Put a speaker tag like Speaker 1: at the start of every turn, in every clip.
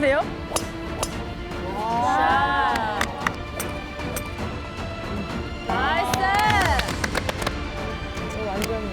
Speaker 1: 좋은데요? 자. 나이스! 완전.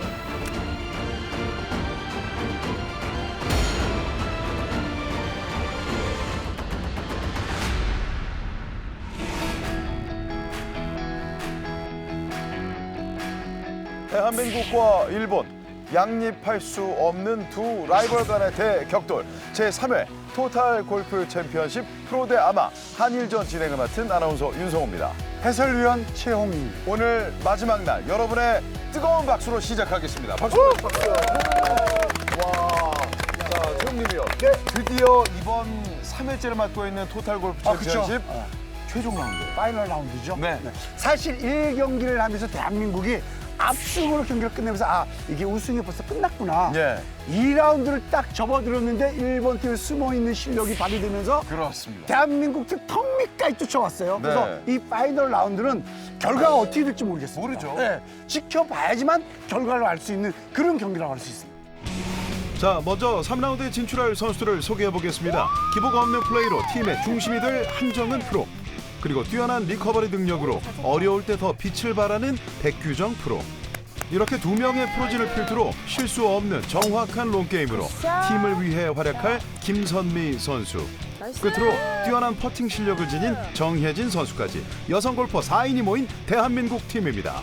Speaker 2: 대한민국과 일본 양립할 수 없는 두 라이벌 간의 대격돌 제3회 토탈 골프 챔피언십 프로 대 아마 한일전 진행을 맡은 아나운서 윤성호입니다.
Speaker 3: 해설위원 최홍민.
Speaker 2: 오늘 마지막 날 여러분의 뜨거운 박수로 시작하겠습니다. 박수! 박수! 와, 자, 최홍님이요. 네, 드디어 이번 3회째를 맡고 있는 토탈 골프 챔피언십 최종 라운드.
Speaker 3: 파이널 라운드죠.
Speaker 2: 네.
Speaker 3: 사실 1경기를 하면서 대한민국이 압승으로 경기를 끝내면서 아, 이게 우승이 벌써 끝났구나.
Speaker 2: 예.
Speaker 3: 2라운드를 딱 접어들었는데 일본 팀에 숨어있는 실력이 발휘되면서
Speaker 2: 그렇습니다.
Speaker 3: 대한민국 팀 턱 밑까지 쫓아왔어요. 그래서 이 파이널 라운드는 결과가 어떻게 될지 모르겠어요.
Speaker 2: 모르죠.
Speaker 3: 네, 지켜봐야지만 결과를 알 수 있는 그런 경기라고 할 수 있습니다.
Speaker 4: 자, 먼저 3라운드에 진출할 선수들을 소개해보겠습니다. 기복 없는 플레이로 팀의 중심이 될 한정은 프로. 그리고 뛰어난 리커버리 능력으로 어려울 때 더 빛을 발하는 백규정 프로. 이렇게 두 명의 프로진을 필두로 실수 없는 정확한 롱게임으로 팀을 위해 활약할 김선미 선수. 끝으로 뛰어난 퍼팅 실력을 지닌 정혜진 선수까지 여성 골퍼 4인이 모인 대한민국 팀입니다.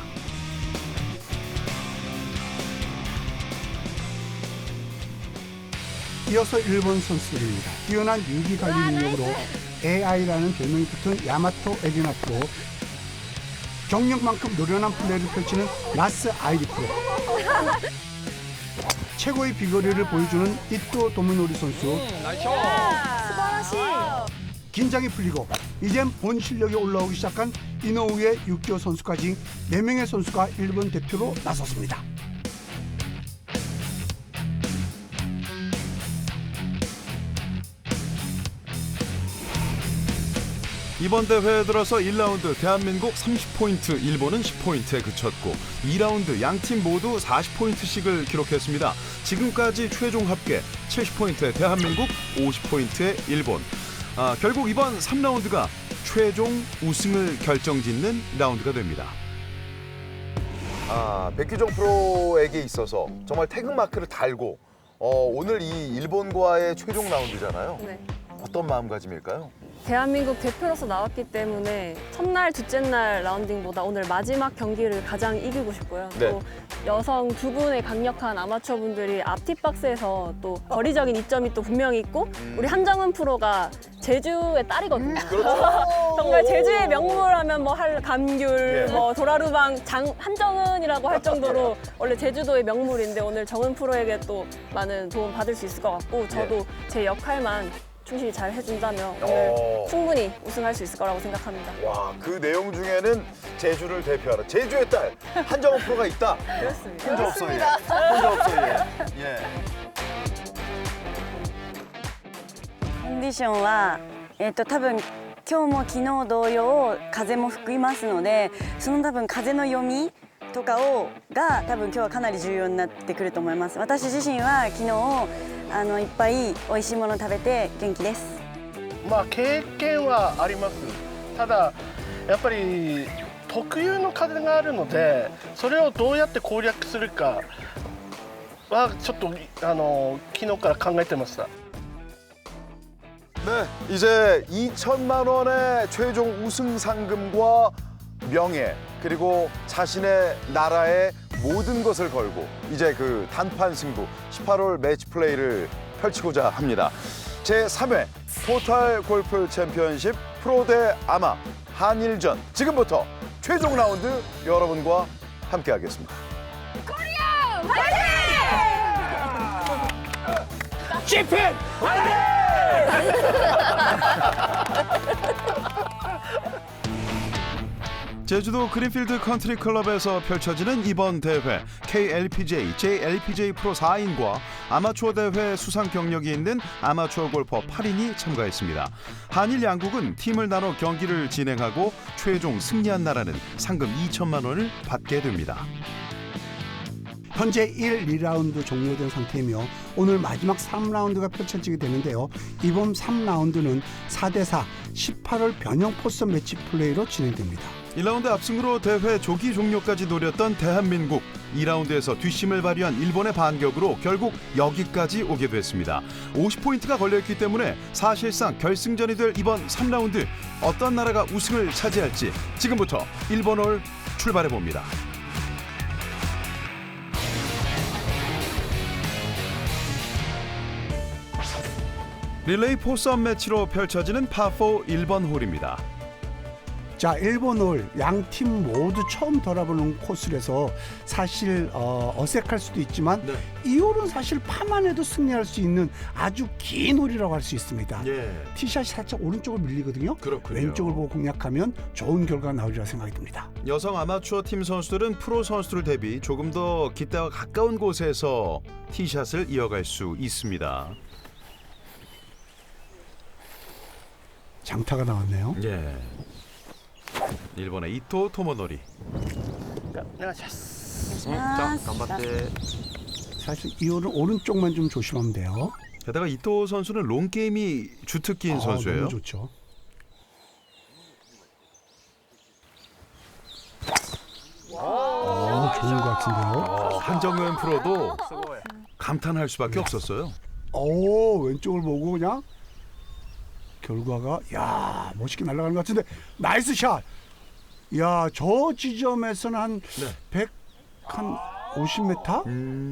Speaker 3: 이어서 일본 선수들입니다. 뛰어난 유기 관리 능력으로 AI라는 별명이 붙은 야마토 에리나 프로, 경력만큼 노련한 플레이를 펼치는 나스 아이리 프로, 최고의 비거리를 보여주는 이토 도미노리 선수. 긴장이 풀리고 이젠 본 실력이 올라오기 시작한 이노우의 유키오 선수까지 4명의 선수가 일본 대표로 나섰습니다.
Speaker 4: 이번 대회에 들어서 1라운드 대한민국 30포인트, 일본은 10포인트에 그쳤고 2라운드 양팀 모두 40포인트씩을 기록했습니다. 지금까지 최종 합계 70포인트의 대한민국, 50포인트의 일본. 결국 이번 3라운드가 최종 우승을 결정짓는 라운드가 됩니다.
Speaker 2: 백규정 프로에게 있어서 정말 태극마크를 달고 오늘 이 일본과의 최종 라운드잖아요.
Speaker 1: 네.
Speaker 2: 어떤 마음가짐일까요?
Speaker 1: 대한민국 대표로서 나왔기 때문에 첫날, 둘째 날 라운딩보다 오늘 마지막 경기를 가장 이기고 싶고요.
Speaker 2: 네.
Speaker 1: 또 여성 두 분의 강력한 아마추어 분들이 앞티 박스에서 또 거리적인 이점이 또 분명히 있고 우리 한정은 프로가 제주의 딸이거든요. 정말 제주의 명물하면 뭐 감귤,
Speaker 2: 예.
Speaker 1: 뭐 도라루방, 한정은이라고 할 정도로 원래 제주도의 명물인데 오늘 정은 프로에게 또 많은 도움 받을 수 있을 것 같고 저도 제 역할만 충실히 잘 해준다면 오늘 충분히 우승할 수 있을 거라고 생각합니다.
Speaker 2: 와, 그 내용 중에는 제주를 대표하는 제주의 딸 한정은 프로가 있다.
Speaker 1: 그렇습니다.
Speaker 2: 혼자 없어 얘. 혼자 없어 얘. 예.
Speaker 5: コンディションは、多分今日も昨日同様風も吹きますのでその多分風の読みとかが多分今日はかなり重要になってくると思います。私自身は昨日いっぱい美味しいものを食べて元気です。
Speaker 6: まあ経験はあります。ただやっぱり特有の風があるのでそれをどうやって攻略するかはちょっと昨日から考えてました。
Speaker 2: 네, 이제 2천만 원의 최종 우승 상금과 명예 그리고 자신의 나라의 모든 것을 걸고 이제 그 단판 승부 18홀 매치 플레이를 펼치고자 합니다. 제3회 토탈 골프 챔피언십 프로 대 아마 한일전 지금부터 최종 라운드 여러분과 함께하겠습니다.
Speaker 4: 제주도 그린필드 컨트리 클럽에서 펼쳐지는 이번 대회 KLPJ, JLPJ 프로 4인과 아마추어 대회 수상 경력이 있는 아마추어 골퍼 8인이 참가했습니다. 한일 양국은 팀을 나눠 경기를 진행하고 최종 승리한 나라는 상금 2천만 원을 받게 됩니다.
Speaker 3: 현재 1, 2라운드 종료된 상태이며 오늘 마지막 3라운드가 펼쳐지게 되는데요. 이번 3라운드는 4대4 18홀 변형 포선 매치 플레이로 진행됩니다.
Speaker 4: 1라운드 압승으로 대회 조기 종료까지 노렸던 대한민국. 2라운드에서 뒷심을 발휘한 일본의 반격으로 결국 여기까지 오게 됐습니다. 50포인트가 걸려있기 때문에 사실상 결승전이 될 이번 3라운드 어떤 나라가 우승을 차지할지 지금부터 일본홀 출발해봅니다. 릴레이 포섬 매치로 펼쳐지는 파4 1번 홀입니다.
Speaker 3: 자, 1번 홀 양 팀 모두 처음 돌아보는 코스라서 사실 어색할 수도 있지만
Speaker 4: 네.
Speaker 3: 이 홀은 사실 파만 해도 승리할 수 있는 아주 긴 홀이라고 할 수 있습니다.
Speaker 4: 예,
Speaker 3: 티샷이 살짝 오른쪽으로 밀리거든요.
Speaker 4: 그렇군요.
Speaker 3: 왼쪽을 보고 공략하면 좋은 결과가 나오리라 생각이 듭니다.
Speaker 4: 여성 아마추어 팀 선수들은 프로 선수들 대비 조금 더 깃대와 가까운 곳에서 티샷을 이어갈 수 있습니다.
Speaker 3: 장타가 나왔네요.
Speaker 4: 예. 일본의 이토 토모노리.
Speaker 6: お願いします。
Speaker 3: 사실 이 홀은 오른쪽만 좀 조심하면 돼요.
Speaker 4: 게다가 이토 선수는 롱 게임이 주특기인 선수예요.
Speaker 3: 너무 좋죠. 좋은 것 같은데요.
Speaker 4: 한정은 프로도 감탄할 수밖에 없었어요.
Speaker 3: 오, 왼쪽을 보고 그냥 결과가 야 멋있게 날아가는 것 같은데 나이스 샷. 야, 저 지점에서는 한
Speaker 4: 네.
Speaker 3: 100, 한 50m?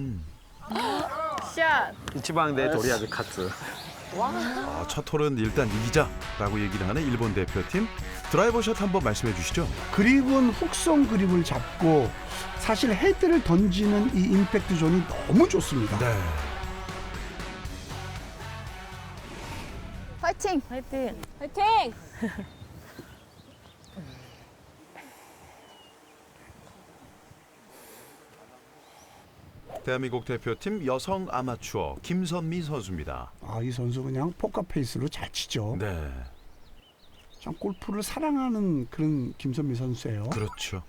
Speaker 1: 샷!
Speaker 7: 一番でとりあえず勝つ
Speaker 4: 첫 홀은 일단 이기자라고 얘기를 하는 일본 대표팀. 드라이버 샷 한번 말씀해 주시죠.
Speaker 3: 그립은 훅성 그립을 잡고 사실 헤드를 던지는 이 임팩트 존이 너무 좋습니다.
Speaker 4: 네.
Speaker 1: 화이팅! 화이팅! 화이팅!
Speaker 4: 대한민국 대표팀 여성 아마추어 김선미 선수입니다.
Speaker 3: 아, 이 선수 그냥 포커 페이스로 잘 치죠.
Speaker 4: 네,
Speaker 3: 참 골프를 사랑하는 그런 김선미 선수예요.
Speaker 4: 그렇죠.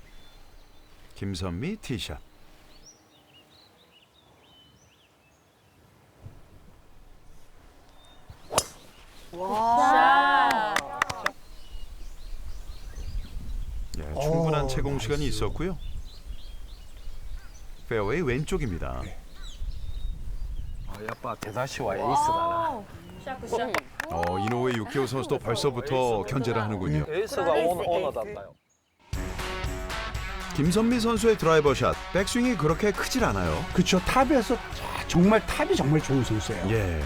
Speaker 4: 김선미 티샷. 예, 충분한 채공 시간이 있었고요. 페어웨이 왼쪽입니다.
Speaker 7: やっぱ手出しはエースだな
Speaker 1: 샷 굿샷.
Speaker 4: 이노우에 유키오 선수도 벌써부터 견제를 하는군요.
Speaker 7: エースがオーナーだったよ
Speaker 4: 김선미 선수의 드라이버 샷, 백스윙이 그렇게 크질 않아요.
Speaker 3: 그렇죠. 탑에서 정말 탑이 정말 좋은 선수예요.
Speaker 4: 예.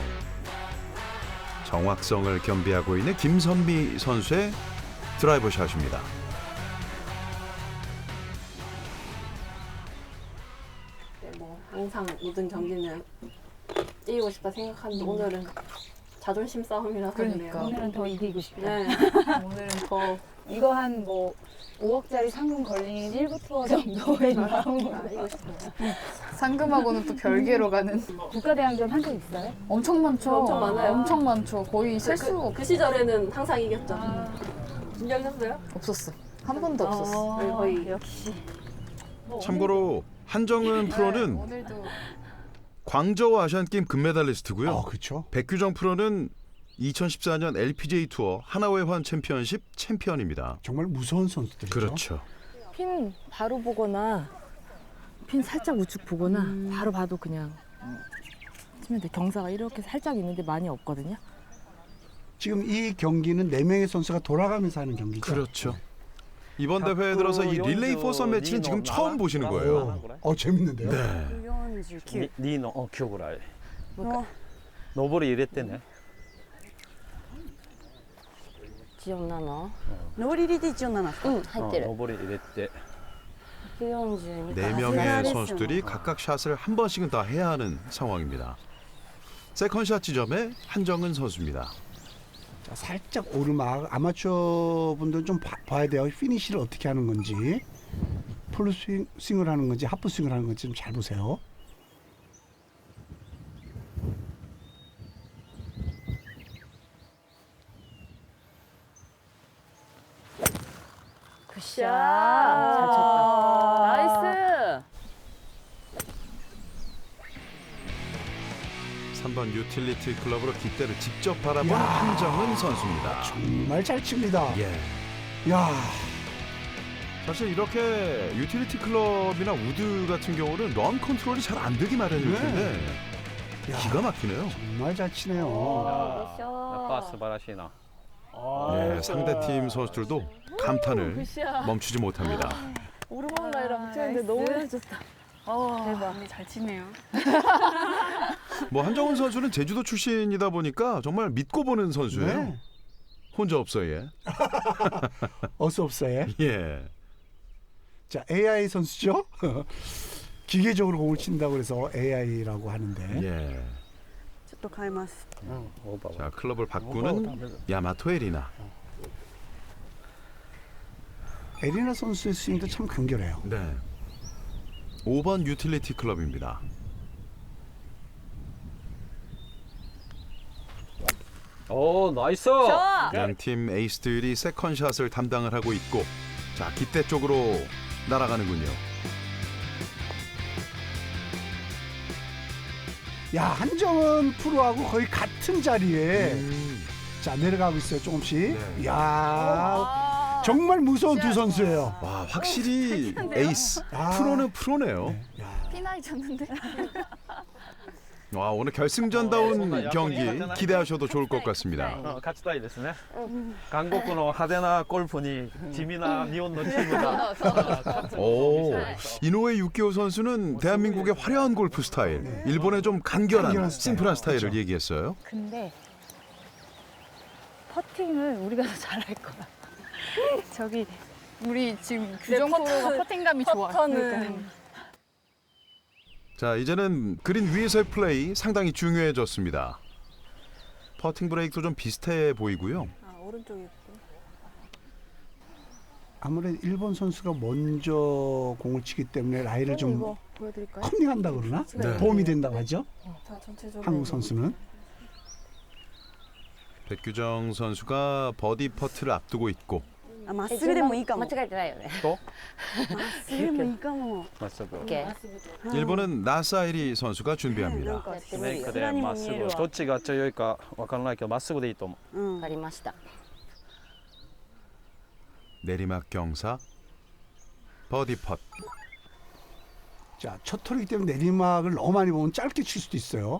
Speaker 4: 정확성을 겸비하고 있는 김선미 선수의 드라이버 샷입니다.
Speaker 1: 뭐 항상 모든 경기는 이기고 싶다 생각하는데 오늘은 자존심 싸움이라서
Speaker 8: 그러니까
Speaker 1: 그래요.
Speaker 8: 오늘은 더 이기고 싶다.
Speaker 1: 네. 오늘은 더
Speaker 8: 이거 한 뭐 5억짜리 상금 걸린 1부 투어 정도의 마음으로
Speaker 1: 이기고 싶어요.
Speaker 9: 상금하고는 또 별개로 가는
Speaker 8: 국가대항전 한 적 있어요?
Speaker 9: 엄청 많죠.
Speaker 1: 엄청 많아요.
Speaker 9: 엄청 많죠. 거의 셀 수가
Speaker 1: 그 시절에는 항상 이겼죠. 긴장했어요?
Speaker 9: 없었어. 한 번도 없었어.
Speaker 1: 네, 거의
Speaker 8: 역시
Speaker 4: 참고로 한정은 프로는
Speaker 9: 오늘도
Speaker 4: 광저우 아시안게임 금메달리스트고요.
Speaker 3: 그렇죠.
Speaker 4: 백규정 프로는 2014년 LPGA 투어 하나회환 챔피언십 챔피언입니다.
Speaker 3: 정말 무서운 선수들이죠.
Speaker 4: 그렇죠.
Speaker 8: 핀 바로 보거나 핀 살짝 우측 보거나 바로 봐도 그냥 치면 돼. 경사가 이렇게 살짝 있는데 많이 없거든요.
Speaker 3: 지금 이 경기는 4명의 선수가 돌아가면서 하는 경기죠.
Speaker 4: 그렇죠. 이번 대회에 들어서 이 릴레이 포섬 매치는 지금 처음 보시는 거예요.
Speaker 3: 재밌는데요.
Speaker 4: 네.
Speaker 5: 49
Speaker 7: 2の今日ぐらい
Speaker 5: の
Speaker 7: 上り入れてね
Speaker 1: 기억나나?
Speaker 5: 上り入れて一応7
Speaker 1: 응, 入ってる。
Speaker 7: 上り入れて
Speaker 1: 142.
Speaker 4: 네 명의 선수들이 각각 샷을 한 번씩은 다 해야 하는 상황입니다. 세컨샷 지점에 한정은 선수입니다.
Speaker 3: 자, 살짝 오르막 아마추어 분들은 좀 봐야 돼요. 피니시를 어떻게 하는 건지, 풀 스윙을 하는 건지, 하프 스윙을 하는 건지 좀 잘 보세요.
Speaker 8: 굿샷. 잘 쳤다. 나이스.
Speaker 4: 3번 유틸리티 클럽으로 깃대를 직접 바라본
Speaker 3: 야.
Speaker 4: 한정은 선수입니다.
Speaker 3: 정말 잘 칩니다.
Speaker 4: 예.
Speaker 3: 야,
Speaker 4: 사실 이렇게 유틸리티 클럽이나 우드 같은 경우는 런 컨트롤이 잘 안 되기 마련일
Speaker 3: 네.
Speaker 4: 텐데
Speaker 3: 야,
Speaker 4: 기가 막히네요.
Speaker 3: 정말 잘 치네요.
Speaker 7: やっぱ素晴らしいな。
Speaker 4: 예, 상대팀 선수들도 감탄을
Speaker 1: 굿샷.
Speaker 4: 멈추지 못합니다.
Speaker 1: 오르막 라이랑 붙였는데 너무 좋다.
Speaker 9: 대박. 잘 치네요.
Speaker 4: 뭐 한정훈 선수는 제주도 출신이다 보니까 정말 믿고 보는 선수예요.
Speaker 3: 네.
Speaker 4: 혼자 없어요.
Speaker 3: 어서 없어요.
Speaker 4: 예.
Speaker 3: 자, AI 선수죠. 기계적으로 공을 친다고 그래서 AI라고 하는데.
Speaker 4: 예.
Speaker 5: ちょっと変えます
Speaker 7: オーバー
Speaker 4: 자, 클럽을 바꾸는 야마토 에리나.
Speaker 3: 에리나 선수의 스윙도 참 간결해요.
Speaker 4: 네. 5번 유틸리티 클럽입니다.
Speaker 7: 오 나이스.
Speaker 1: 좋아.
Speaker 4: 양팀 에이스들이 세컨샷을 담당을 하고 있고 자, 깃대 쪽으로 날아가는군요.
Speaker 3: 야, 한정은 프로하고 거의 같은 자리에 자 내려가고 있어요. 조금씩.
Speaker 4: 네.
Speaker 3: 야, 정말 무서운 두 선수예요.
Speaker 4: 와, 확실히 에이스.
Speaker 3: 아.
Speaker 4: 프로는 프로네요.
Speaker 3: 야,
Speaker 9: 피나이 쳤는데.
Speaker 4: 와, 오늘 결승전다운 경기 기대하셔도 좋을 것 같습니다.
Speaker 7: 勝ちたいですね。韓国の派手なゴルフに地味な日本のチームが勝つのを見せたい。
Speaker 4: 이노우에 유키오 선수는 대한민국의 화려한 골프 스타일, 일본의 좀 간결한,
Speaker 3: 간결한 스타일.
Speaker 4: 심플한 스타일을
Speaker 3: 그렇죠.
Speaker 4: 얘기했어요.
Speaker 8: 근데 퍼팅을 우리가 더 잘할 거야. 저기
Speaker 9: 우리 지금 규정 프로가 퍼팅감이 좋아.
Speaker 1: 퍼터는
Speaker 4: 자, 이제는 그린 위에서의 플레이 상당히 중요해졌습니다. 퍼팅 브레이크도 좀 비슷해 보이고요.
Speaker 1: 아, 오른쪽이 있고.
Speaker 3: 아무래도 일본 선수가 먼저 공을 치기 때문에 라이를 좀
Speaker 1: 이거 보여드릴까요?
Speaker 3: 컨닝한다 그러나?
Speaker 4: 네.
Speaker 3: 도움이 된다고 하죠.
Speaker 1: 자, 전체적으로
Speaker 3: 한국 선수는.
Speaker 4: 백규정 선수가 버디 퍼트를 앞두고 있고
Speaker 5: あまっすぐでもいいかもまっ
Speaker 8: 間違えてないよね。
Speaker 5: すぐでもいいかも
Speaker 7: まっすぐ。
Speaker 4: 일본은 나사이리 선수가 준비합니다.
Speaker 7: メイクでまっすぐ。どっちが強いかわからないけどまっすぐでいいと思う。
Speaker 5: うん
Speaker 8: わかりました。
Speaker 4: 내리막 경사 버디 펫.
Speaker 3: 자, 첫 톨이기 때문에 내리막을 너무 많이 보면 짧게 칠 수도 있어요.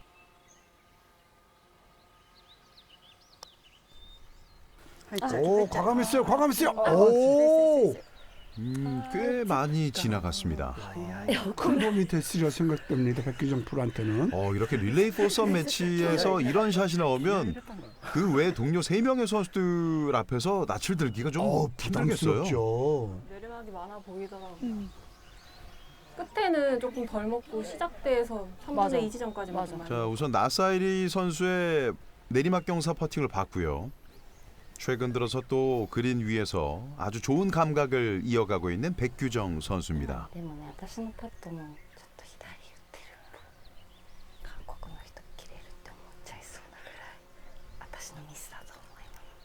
Speaker 3: 오, 과감했어요. 과감했어요. 오,
Speaker 4: 꽤 많이 지나갔습니다.
Speaker 3: 큰 도움이 됐으리라 생각됩니다. 백규정 프로한테는.
Speaker 4: 이렇게 릴레이 포섬 매치에서 이런 샷이 나오면 그 외 동료 3명의 선수들 앞에서 낯을 들기가 좀 힘들겠어요.
Speaker 3: 부담스럽죠.
Speaker 1: 내리막이 많아 보이더라고요. 끝에는 조금 덜 먹고 시작대에서 3분의 2 지점까지 맞아.
Speaker 4: 자, 우선 나사이리 선수의 내리막 경사 퍼팅을 봤고요. 최근 들어서 또 그린 위에서 아주 좋은 감각을 이어가고 있는 백규정 선수입니다.
Speaker 8: でもね、私のパットもちょっと左打ってる。韓国の人切れるって思っちゃいそうなぐらい私のミスだと思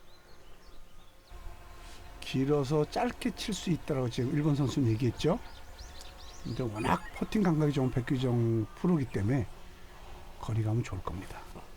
Speaker 8: います。
Speaker 3: 길어서 짧게 칠 수 있다라고 지금 일본 선수는 얘기했죠. 근데 워낙 퍼팅 감각이 좋은 백규정 프로기 때문에 거리감은 좋을 겁니다.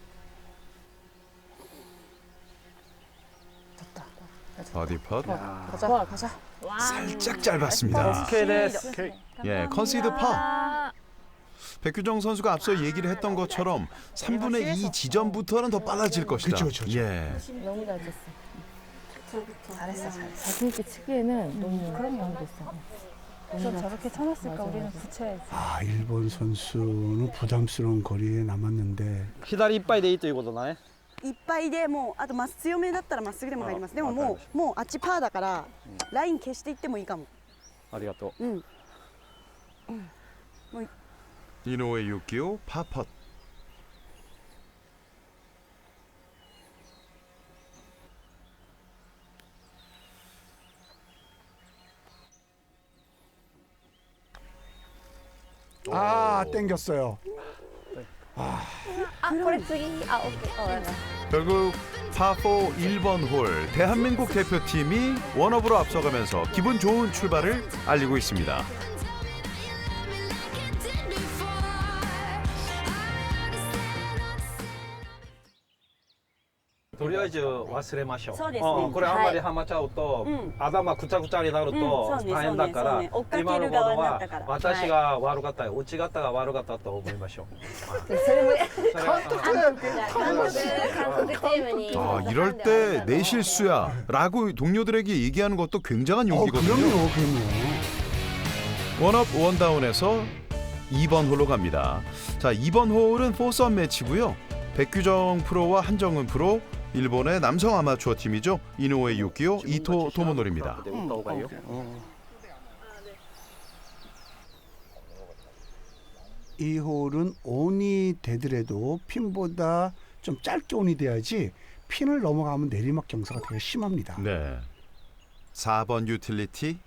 Speaker 4: 버디 펫
Speaker 9: 가자, 가자.
Speaker 4: 살짝 짧았습니다.
Speaker 7: 오케이 됐어.
Speaker 4: 예, 컨시드 파. 백규정 선수가 앞서 얘기를 했던 것처럼 3분의 2 지점부터는 더 빨라질 것이다.
Speaker 3: 그쵸.
Speaker 4: 예.
Speaker 8: 너무 잘 쳤어.
Speaker 9: 잘했어, 잘했어.
Speaker 8: 자신 있게 치기에는 너무 그런 거 됐어.
Speaker 9: 그래서 저렇게 쳐놨을까? 우리는 붙여야지.
Speaker 3: 아, 일본 선수는 부담스러운 거리에 남았는데
Speaker 7: 左いっぱいでいいということだね。
Speaker 5: いっぱいでもうあとまっ強めだったらまっすぐでも入りますでももうあっちパーだからライン消していってもいいかも
Speaker 7: ありがとう。
Speaker 4: 이노우에 유키오 파펫.
Speaker 3: 아, 땡겼어요.
Speaker 4: 결국 파4 1번 홀 대한민국 대표팀이 원업으로 앞서가면서 기분 좋은 출발을 알리고 있습니다.
Speaker 7: とりあえず忘れましょう。
Speaker 5: そうですね
Speaker 7: これあんまりハマっちゃうと、頭ぐちゃぐちゃになると
Speaker 5: そうね
Speaker 7: 大変だから、
Speaker 5: そうね追っかける
Speaker 7: 今のも
Speaker 5: 側
Speaker 7: のは
Speaker 5: になったから
Speaker 7: 私が悪かった、うち方が悪かったと思いましょう。
Speaker 9: それも
Speaker 1: 韓国チームに
Speaker 4: 아, 이럴 때 내 실수야 라고 동료들에게 얘기하는 것도 굉장한 용기거든요.
Speaker 3: 그럼요.
Speaker 4: 원업 원다운에서 2번 홀로 갑니다. 자, 2번 홀은 4썸 매치고요. 백규정 프로와 한정은 프로, 일본의 남성 아마추어 팀이죠. 이노우에 유키오, 이토 토모노리입니다.
Speaker 3: 이 홀은 온이 되더라도 핀보다 좀 짧게 온이 돼야지 핀을 넘어가면 내리막 경사가 되게 심합니다.
Speaker 4: 네. 4번 유틸리티.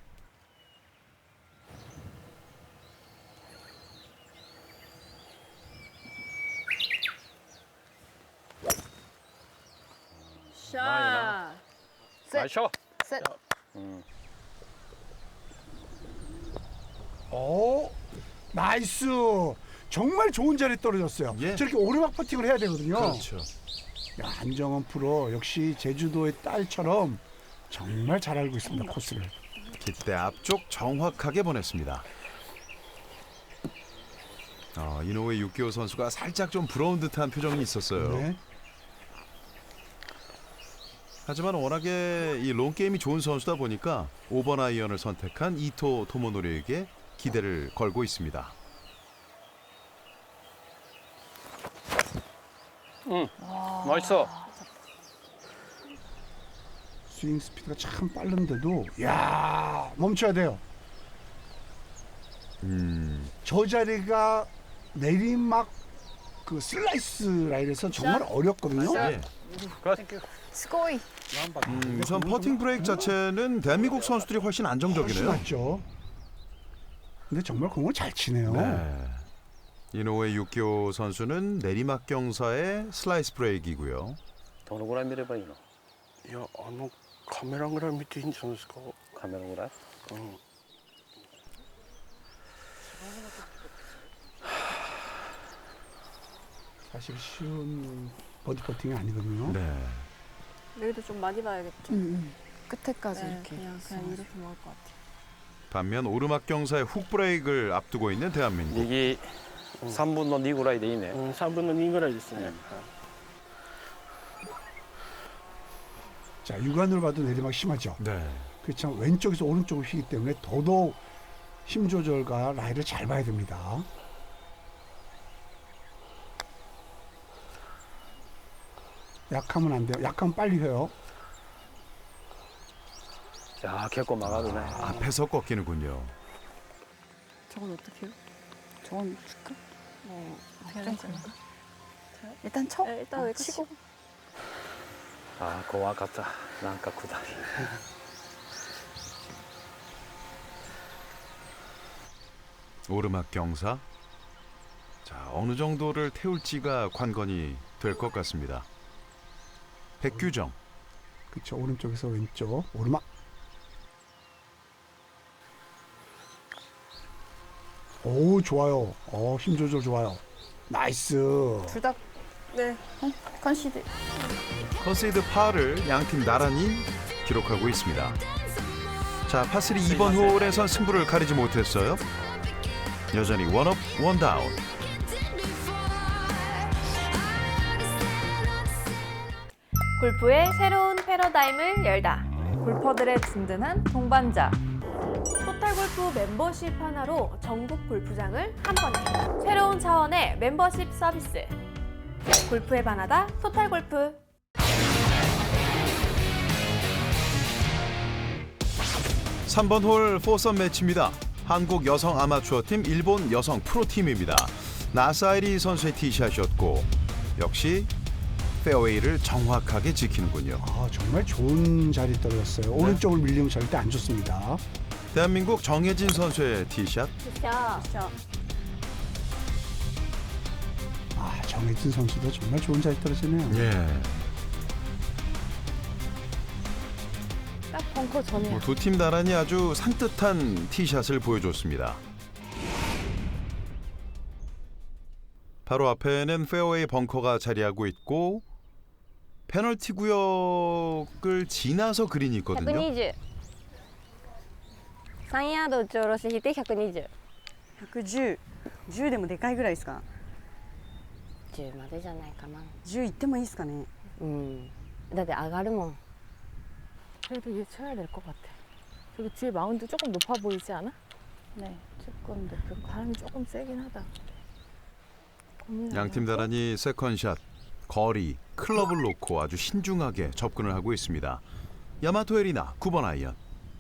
Speaker 1: 샷.
Speaker 7: 最初。
Speaker 9: 셋.
Speaker 3: 오, 나이스. 정말 좋은 자리에 떨어졌어요.
Speaker 4: 예.
Speaker 3: 저렇게 오르막 퍼팅을 해야 되거든요.
Speaker 4: 그렇죠.
Speaker 3: 야, 한정원 프로 역시 제주도의 딸처럼 정말 잘 알고 있습니다, 코스를.
Speaker 4: 깃대 앞쪽 정확하게 보냈습니다. 이노우에 유키오 선수가 살짝 좀 부러운 듯한 표정이 있었어요.
Speaker 3: 네.
Speaker 4: 하지만 워낙에 이 롱게임이 좋은 선수다 보니까 5번 아이언을 선택한 이토 토모노리에게 기대를 걸고 있습니다.
Speaker 7: 맛있어.
Speaker 3: 스윙 스피드가 참 빠른데도 야, 멈춰야 돼요. 저 자리가 내리막 그 슬라이스 라인에서 정말 어렵거든요.
Speaker 4: 예.
Speaker 9: 스코이.
Speaker 4: 우선 퍼팅 브레이크 자체는 대한민국 선수들이 훨씬
Speaker 3: 훨씬
Speaker 4: 안정적이네요.
Speaker 3: 낫죠. 근데 정말 공을 잘 치네요.
Speaker 4: 네. 이노우에 유키오 선수는 내리막 경사의 슬라이스 브레이크이고요.
Speaker 7: どのぐらい見ればいいの？
Speaker 6: いやカメラぐらい見ていいんじゃないですか。
Speaker 7: カメラぐらい？
Speaker 3: 사실 쉬운 버디 퍼팅이 아니거든요.
Speaker 4: 네.
Speaker 1: 여기도 좀 많이 봐야겠죠.
Speaker 9: 끝에까지
Speaker 1: 네,
Speaker 9: 이렇게.
Speaker 1: 그냥 이렇게 먹을 것 같아요.
Speaker 4: 반면 오르막 경사의 훅 브레이크를 앞두고 있는 대한민국.
Speaker 7: 右3分の2ぐらいでいいね。
Speaker 6: 3分の2ぐらいですね。
Speaker 3: 자, 육안으로 봐도 내리막 심하죠.
Speaker 4: 네.
Speaker 3: 그렇지만 왼쪽에서 오른쪽으로 휘기 때문에 더더욱 힘 조절과 라이를 잘 봐야 됩니다. 약하면 안 돼요. 약하면 빨리 휘어요.
Speaker 7: 야, 結構曲がるね。
Speaker 4: 앞에서 꺾이는군요.
Speaker 1: 저건 어떻게 해요?
Speaker 9: 저건 줄까?
Speaker 1: 어떻게
Speaker 9: 좀
Speaker 1: 하지?
Speaker 9: 그런가? 일단 쳐.
Speaker 1: 네, 일단 여기 치고.
Speaker 7: あー、怖かった。なんか下り。
Speaker 4: 오르막 경사. 자, 어느 정도를 태울지가 관건이 될 것 같습니다. 백규정.
Speaker 3: 그렇죠. 오른쪽에서 왼쪽 오르막. 오, 좋아요. 힘 조절 좋아요. 나이스.
Speaker 9: 둘 다
Speaker 1: 네.
Speaker 9: 컨시드.
Speaker 4: 컨세이드 파를 양팀 나란히 기록하고 있습니다. 자, 파3 2번 홀에선 승부를 가리지 못했어요. 여전히 원업 원다운.
Speaker 10: 골프의 새로운 패러다임을 열다. 골퍼들의 든든한 동반자. 토탈골프 멤버십 하나로 전국 골프장을 한 번에. 새로운 차원의 멤버십 서비스. 골프에 반하다 토탈골프.
Speaker 4: 삼 번 홀 4썸 매치입니다. 한국 여성 아마추어 팀, 일본 여성 프로팀입니다. 나사이리 선수의 티샷이었고 역시 페어웨이를 정확하게 지키는군요.
Speaker 3: 정말 좋은 자리에 떨어졌어요. 오른쪽을 밀리면 절대 안 좋습니다.
Speaker 4: 대한민국 정혜진 선수의 티샷.
Speaker 3: 정혜진 선수도 정말 좋은 자리에 떨어지네요.
Speaker 4: 예.
Speaker 1: 딱 벙커 전이야.
Speaker 4: 두 팀 나란히 아주 산뜻한 티샷을 보여줬습니다. 바로 앞에는 페어웨이 벙커가 자리하고 있고 페널티 구역을 지나서 그린이 있거든요.
Speaker 1: 120。3ヤード打ち下ろし引いて120。
Speaker 5: 110、10でもでかいぐらいですか。
Speaker 1: 10までじゃないかな。
Speaker 5: 10いってもいいですかね。
Speaker 1: だって上がるもん。
Speaker 8: 그래도 얘 쳐야 될 것 같아. 저기 뒤에 마운드 조금 높아 보이지 않아?
Speaker 9: 네, 조금 높은 거.
Speaker 8: 바람이 조금 세긴 하다.
Speaker 4: 양팀 나란히 세컨샷, 거리, 클럽을 놓고 아주 신중하게 접근을 하고 있습니다. 야마토 에리나 9번 아이언.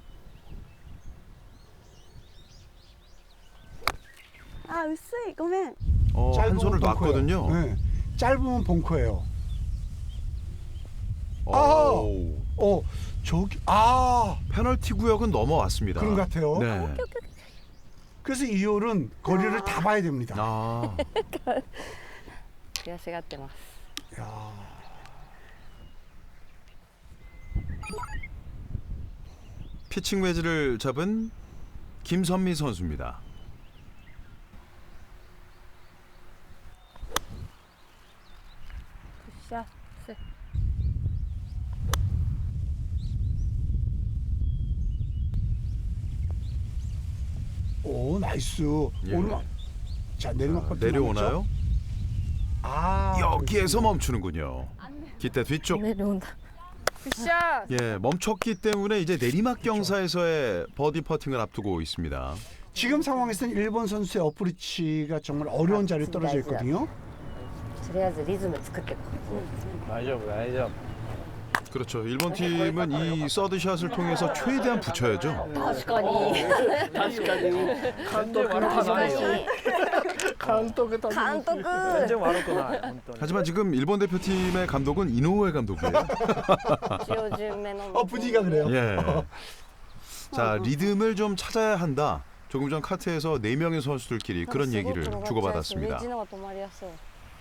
Speaker 5: 아, 薄い。ごめん。
Speaker 4: 한 손을 놨거든요.
Speaker 3: 네. 짧으면 벙커예요.
Speaker 4: 오.
Speaker 3: 저기
Speaker 4: 페널티 구역은 넘어왔습니다.
Speaker 3: 그런 것 같아요.
Speaker 4: 네.
Speaker 3: 그래서 이 홀은 거리를 다 봐야 됩니다.
Speaker 4: 아,
Speaker 1: 悔しがってます。
Speaker 3: 야.
Speaker 4: 피칭 웨지를 잡은 김선미 선수입니다.
Speaker 1: 샷.
Speaker 3: 오, 나이스.
Speaker 4: 예.
Speaker 3: 오르막. 자, 내리막 버튼
Speaker 4: 내려오나요?
Speaker 3: 아,
Speaker 4: 여기에서 멈추는군요. 기대 뒤쪽.
Speaker 1: 내려온다.
Speaker 8: 굿샷!
Speaker 4: 예, 멈췄기 때문에 이제 내리막 경사에서의 버디 퍼팅을 앞두고 있습니다.
Speaker 3: 지금 상황에서는 일본 선수의 어프리치가 정말 어려운 자리에 떨어져 있거든요.
Speaker 1: とりあえずリズム作ってこう。
Speaker 7: 大丈夫大丈夫
Speaker 4: 그렇죠. 일본 팀은 이 서드샷을 통해서 최대한 붙여야죠.
Speaker 1: 確かに。
Speaker 6: 確かに監督の話監督と
Speaker 1: 監督。
Speaker 7: 全然悪くない本当に
Speaker 4: 하지만 지금 일본 대표팀의 감독은 이노우에 감독이에요.
Speaker 1: 塩順目の。
Speaker 3: 분위기가 그래요.
Speaker 4: 예. 자, 리듬을 좀 찾아야 한다. 조금 전 카트에서 4명의 선수들끼리 그런 얘기를 주고받았습니다.
Speaker 1: メジのが止まりやすい。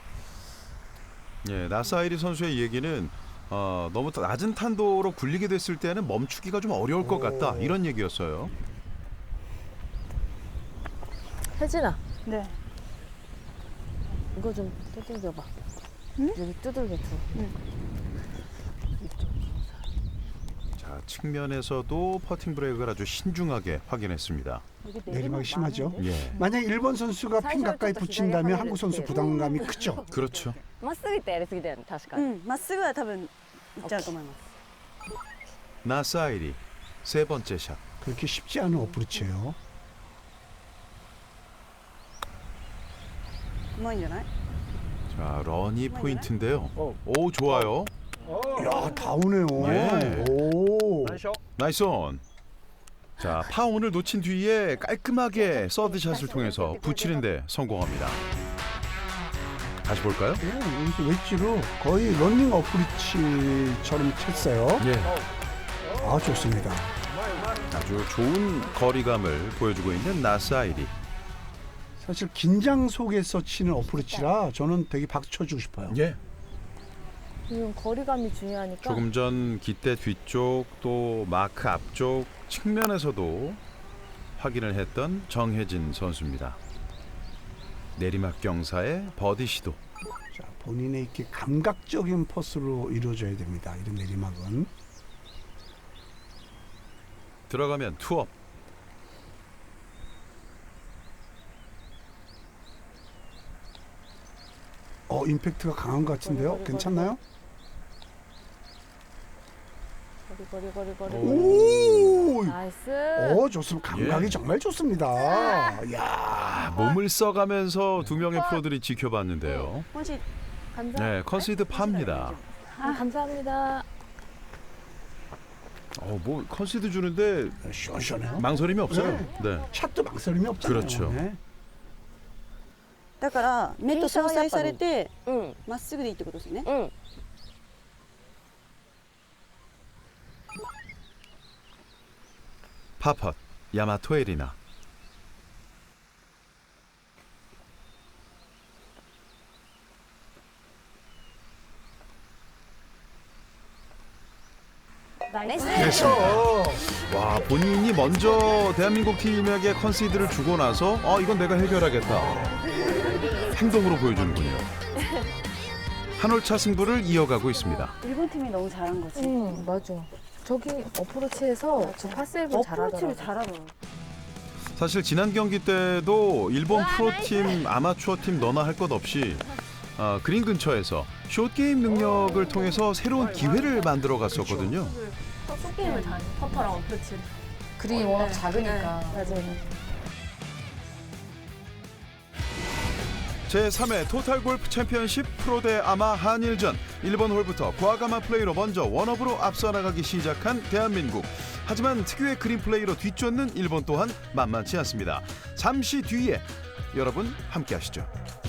Speaker 4: 예, 나사이리 선수의 얘기는 너무 낮은 탄도로 굴리게 됐을 때는 멈추기가 좀 어려울 것 같다. 이런 얘기였어요.
Speaker 8: 혜진아,
Speaker 9: 네.
Speaker 8: 이거 좀 두들겨봐. 여기 두들겨 줘.
Speaker 4: 자, 측면에서도 퍼팅 브레이크를 아주 신중하게 확인했습니다.
Speaker 3: 내리막이 심하죠.
Speaker 4: 예,
Speaker 3: 만약 일본 선수가 핀 가까이 붙인다면 한국 선수 부담감이 크죠.
Speaker 4: 그렇죠.
Speaker 1: まっすぐ行ってやりすぎだよね、確かに。
Speaker 5: うん、まっすぐは多分いっちゃうと思います。
Speaker 4: 나사이리 세 번째 샷.
Speaker 3: 그렇게 쉽지 않은 어프리치예요.
Speaker 5: うまいんじゃない？
Speaker 4: 자, 런이 포인트인데요. 오, 좋아요.
Speaker 3: 야, 다 오네요.
Speaker 4: 예.
Speaker 3: 오.
Speaker 7: 最初
Speaker 4: 나이스 온. 자, 파온을 놓친 뒤에 깔끔하게 서드샷을 통해서 붙이는데 성공합니다. 다시 볼까요?
Speaker 3: 여기서 웨지로 거의 러닝 어프리치처럼 쳤어요.
Speaker 4: 예,
Speaker 3: 아, 좋습니다.
Speaker 4: 아주 좋은 거리감을 보여주고 있는 나사이리.
Speaker 3: 사실 긴장 속에서 치는 어프리치라 저는 되게 박수 쳐주고 싶어요.
Speaker 4: 예.
Speaker 8: 이건 거리감이 중요하니까.
Speaker 4: 조금 전 깃대 뒤쪽 또 마크 앞쪽 측면에서도 확인을 했던 정혜진 선수입니다. 내리막 경사의 버디 시도.
Speaker 3: 자, 본인의 이렇게 감각적인 퍼스로 이루어져야 됩니다. 이런 내리막은.
Speaker 4: 들어가면 투업.
Speaker 3: 임팩트가 강한 것 같은데요. 괜찮나요?
Speaker 8: 거리.
Speaker 3: 오!
Speaker 8: 나이스.
Speaker 3: 좋습니다. 감각이
Speaker 4: 예.
Speaker 3: 정말 좋습니다. 야,
Speaker 4: 몸을 써가면서 두 명의 프로들이 지켜봤는데요.
Speaker 5: もし
Speaker 8: 감사.
Speaker 4: 네, 컨시드 파입니다.
Speaker 8: 감사합니다.
Speaker 4: 뭐 컨시드 주는데
Speaker 3: 시원시원해요.
Speaker 4: 망설임이 없어요. 네.
Speaker 3: 샷도 망설임이 없잖아요.
Speaker 4: 그렇죠.
Speaker 3: 네.
Speaker 5: だから目と相殺されて
Speaker 1: うん。
Speaker 5: まっすぐでいいってことですね。
Speaker 1: うん。
Speaker 4: 파펫 야마토 에리나.
Speaker 1: 나이스.
Speaker 4: 와, 본인이 먼저 대한민국 팀에게 컨시드를 주고 나서 이건 내가 해결하겠다. 행동으로 보여주는군요. 한올차 승부를 이어가고 있습니다.
Speaker 5: 일본 팀이 너무 잘한 거지.
Speaker 8: 응, 맞아. 저기 어프로치에서 저 파세이브
Speaker 5: 어프로치를
Speaker 8: 잘하더라고.
Speaker 5: 잘하더라고.
Speaker 4: 사실 지난 경기 때도 일본 프로팀, 아마추어팀 너나 할 것 없이 그린 근처에서 숏게임 능력을 통해서 새로운 기회를 만들어 갔었거든요.
Speaker 1: 게임을 다 퍼터랑 어프로치.
Speaker 8: 그린이 워낙 작으니까.
Speaker 5: 맞아요.
Speaker 4: 제3회 토탈 골프 챔피언십 프로 대 아마 한일전 1번 홀부터 과감한 플레이로 먼저 원업으로 앞서 나가기 시작한 대한민국. 하지만 특유의 그린 플레이로 뒤쫓는 일본 또한 만만치 않습니다. 잠시 뒤에 여러분 함께 하시죠.